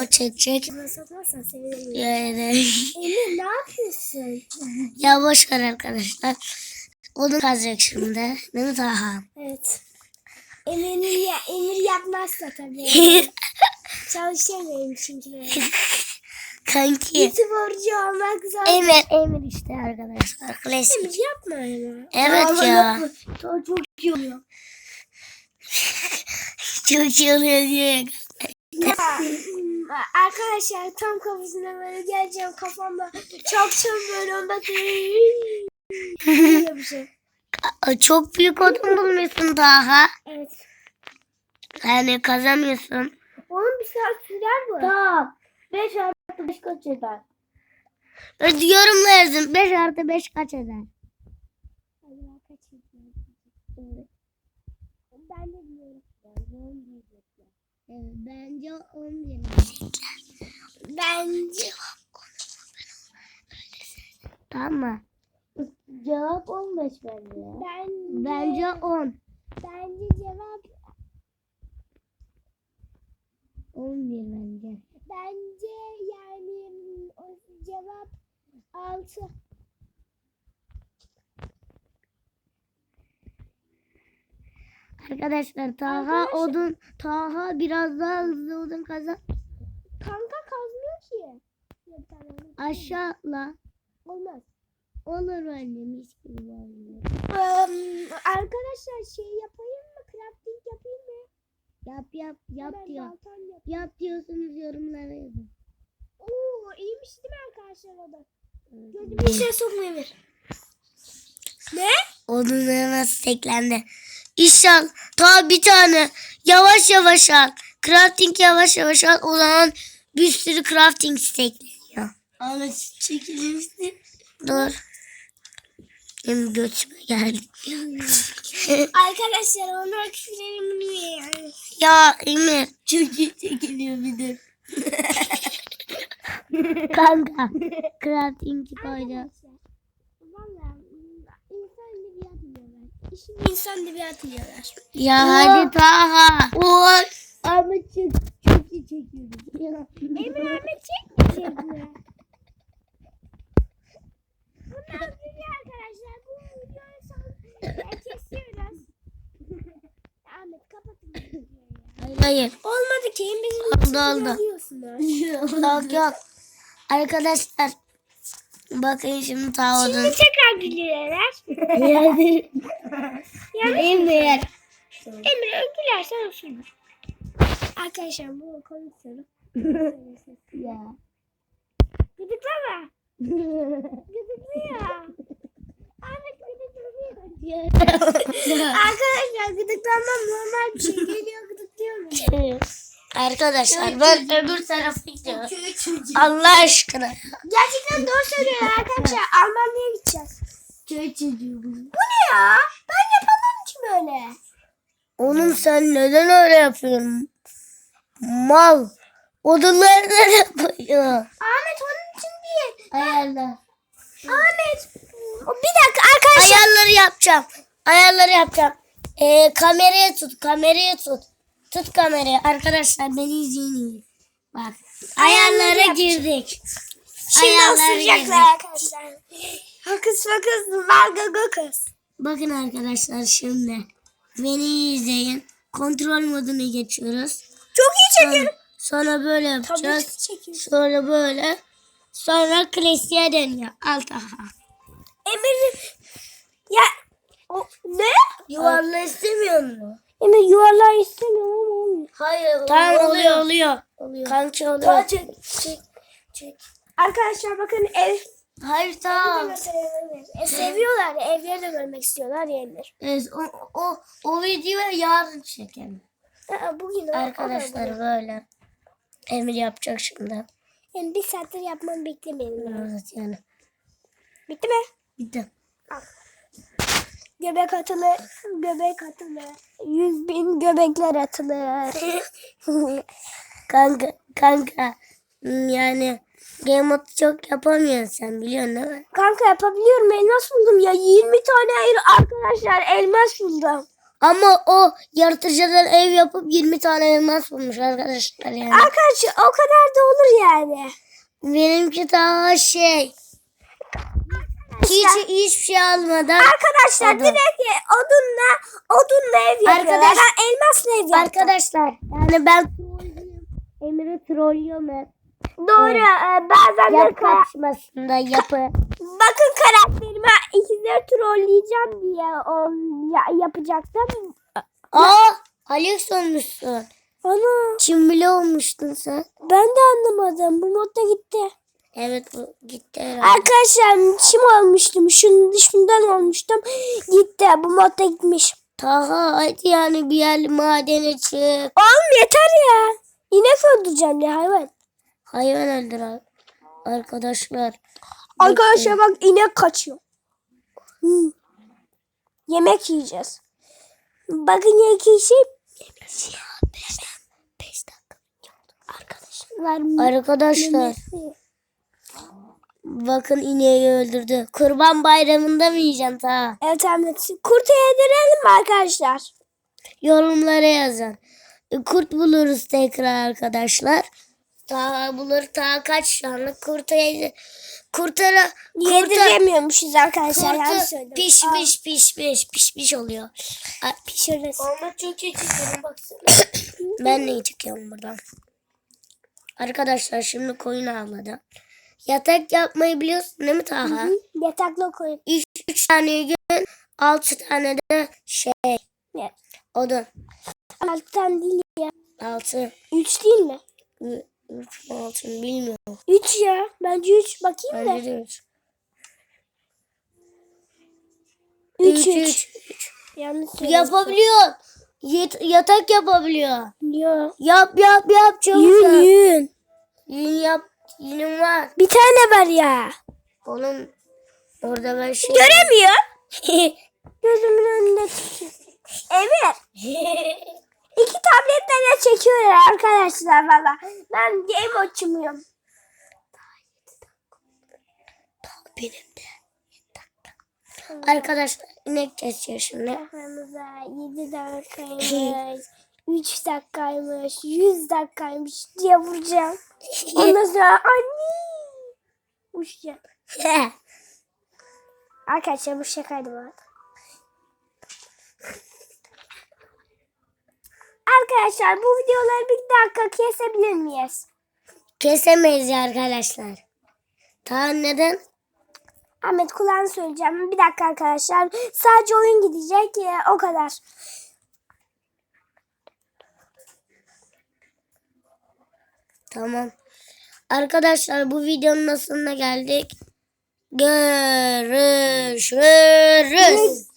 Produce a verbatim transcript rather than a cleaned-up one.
o çekecek. Satmazsan sevinirim. Yani. Emir ne yapıyorsun? Ya boş ver arkadaşlar. Onu kazacak şimdi. Değil mi Taha? Evet. Emir'in ya, Emir yapmazsa tabii. Çalışamıyorum çünkü böyle. Kanki. YouTuber'cı olmak zor. Emir, Emir işte arkadaşlar. Klasik. Emir yapma ya. Evet Ama ya. yapma. Daha çok iyi oluyor. Çok iyi oluyor diyor ya. Ya, arkadaşlar tam kafasına böyle geleceğim kafamda çok çok böyle onda böyle bir şey. Aa, çok büyük odun bulmuşsun Taha. Evet. Yani kazamıyorsun. Onun bir saat sürer bu. Tamam. beş artı beş kaç eder? Hadi yorumlarsın. beş artı beş kaç eder? Acaba kaç ediyor? Ben de biliyorum. Bence on bir. Bence Tamam mı? Cevap on beş bence. bence Bence on. bence cevap on bir bence. bence yani o cevap altı. Arkadaşlar Taha Arkadaşlar- odun Taha biraz daha hızlı odun kazan. Kanka kazmıyor ki. Bir tane onu- Aşağıla. Olmaz. Olur bence mis gibi var. Eee, arkadaşlar şey yapayım mı? Crafting yapayım mı? Yap yap yap Hemen diyor. baltam yap. Yap diyorsunuz yorumlara yazın. Oo iyiymiş değil mi arkadaşlar o da? Gözümü içine sokmuyor bir. Ne? Odunları nasıl teklendi. İnşallah ta bir tane yavaş yavaş al. Crafting yavaş yavaş al. O zaman bir sürü crafting stekleniyor. Ahmet çekilmişti. Dur. Benim götüme geldi. Arkadaşlar onlar küfürlerim yani. Ya Emir. Çok iyi çekiliyor bir de. Kanka. Crafting koydu. Valla insan edebiyat diyorlar. İşin insan edebiyat diyorlar. Ya hadi Taha. Oy. Ahmet çok, çok iyi çekiyordu. Emir Ahmet çekmeyecek mi? Bundan sonra arkadaşlar bu videoyu son kesiyoruz. Ahmet kapatın bu videoyu ya. Hayır hayır. Olmadı ki bizim Oldu oldu. diyorsunuz. Yok yok. Arkadaşlar. Bakın şimdi Taha odun. Şimdi tekrar gülüyorlar. Yani. Emir. Emir gülersen olsun. Arkadaşlar bu komik soru. Ya. Gıdıklama. Gıdıklıyor. Ahmet gıdıklıyor. Arkadaşlar gıdıklanmam normal bir şey. Geliyor gıdıklıyor mu? Arkadaşlar ben öbür tarafa gidiyorum. Allah aşkına. Gerçekten doğru söylüyorlar arkadaşlar. Almanya'ya gideceğiz. Köy çocuğu bu. Bu ne ya? Ben yapamam ki böyle. Oğlum sen neden öyle yapıyorsun? Mal. Odunları nereye koyuyor? Ahmet onun için değil. Ayarlar. Ahmet. O bir dakika arkadaşlar. Ayarları yapacağım. Ayarları yapacağım. Ee, kameraya tut. Kameraya tut. Tut kamerayı. Arkadaşlar beni izleyin. Bak. Ayarları Ayarlara yapacağım. girdik. Şimdi Ayarlara ısıracaklar girdik. arkadaşlar. Hokus pokus valga gokus. Bakın arkadaşlar şimdi. Beni izleyin. Kontrol moduna geçiyoruz. Çok iyi çekiyorum. Sonra böyle Tabii yapacağız. ki çekiyorum. Sonra böyle. Sonra klasiğe dönüyor. Alt aha. Emir ya o ne? Yuvarla istemiyor mu? Emir yuvarlağı istemiyorum ama olmuyor. Hayır. Tamam oluyor oluyor. Oluyor. Kanki oluyor. Daha çek. Çek. Çek. Arkadaşlar bakın ev Hayır tamam. e, seviyorlar. Evleri de görmek istiyorlar yerler. Evet, o, o, o videoyu yarın çekelim. Aa, bugün o- Arkadaşlar o da bugün. böyle. Emir yapacak şimdi. Yani bir saattir yapmamı beklemeyelim. Yani. Evet yani. Bitti mi? Bitti. Göbek atılır. Göbek atılır. Yüz bin göbekler atılır. Kanka, kanka. hmm, Yani game mode çok yapamıyorsun sen biliyorsun değil mi? Kanka yapabiliyorum. Elmas buldum ya. yirmi tane hayır arkadaşlar elmas buldum. Ama o yaratıcılar ev yapıp yirmi tane elmas bulmuş arkadaşlar yani. Arkadaşlar o kadar da yani. Benimki daha şey. Hiç hiçbir şey almadan. Arkadaşlar Odun. direkt odunla odunla ev yapıyorlar. Arkadaş- Ben elmasla ev yaptım. Arkadaşlar yani ben trollüyorum. Emir'i trollüyorum hep. Doğru. Evet. e, bazen de Yap kara- kapışmasında yapı. bakın karakterime ikizleri trolleyeceğim diye o, ya- yapacaktım. Aa, Alex olmuşsun. Ana Kim bile olmuştun sen. ben de anlamadım. Bu modda gitti. Evet bu gitti herhalde. Arkadaşlar çim olmuştum. Şunun şundan olmuştum. Gitti. Bu modda gitmiş. Taha hadi yani bir yer madene çık. Oğlum yeter ya. İnek öldüreceğim ya hayvan. Hayvan öldür abi. Arkadaşlar. Arkadaşlar bak inek kaçıyor. Hmm. Yemek yiyeceğiz. Bakın ya iki şey. beş dakika. Arkadaşlar. Arkadaşlar Memesi. bakın ineği öldürdü. Kurban bayramında mı yiyeceksin Taha? Evet Ahmet. Kurtu yedirelim mi arkadaşlar? Yorumlara yazın. Kurt buluruz tekrar arkadaşlar. Taha bulur. Taha kaç tane kurta yedi. Kurtara kurta, Yediremiyormuşuz arkadaşlar. Yanlış kurta söyledim. pişmiş pişmiş pişmiş oluyor. Ay, Pişiririz. Ama çok iyi çekiyorum baksana. Ben neyi çekiyorum buradan? Arkadaşlar şimdi koyun avladı. Yatak yapmayı biliyorsun değil mi Taha? Yatakla koyun. Üç, üç tane yün, altı tane de şey Ne? odun. Alttan değil ya. Altı. Üç değil mi? Ü- Üç mü altı mı bilmiyorum. Üç ya. Bence üç. Bakayım da. Bence de üç. Üç, Üç, üç. üç. Yanlış söyledim. Yapabiliyor. Yet- yatak yapabiliyor. Yo. Yap yap yap çabuk Yün yap. yün. Yün yap. Yünüm var. Bir tane var ya. Oğlum orada ben şey... Göremiyor. Gözümün önünde tutuyor. Emir. İki tabletle de çekiyorlar arkadaşlar valla. Ben game açmıyorum. Benim de. Arkadaşlar inek kesiyor şimdi. Aramıza yedi dakikaymış. üç dakikaymış. yüz dakikaymış diye vuracağım. Ondan sonra anne. Uçacağım. Arkadaşlar bu şakaydı bu arada. Arkadaşlar bu videoları bir dakika kesebilir miyiz? Kesemeyiz ya arkadaşlar. Ta neden? Ahmet kulağını söyleyeceğim. Bir dakika arkadaşlar. Sadece oyun gidecek. Ya, o kadar. Tamam. Arkadaşlar bu videonun sonuna geldik. Görüşürüz.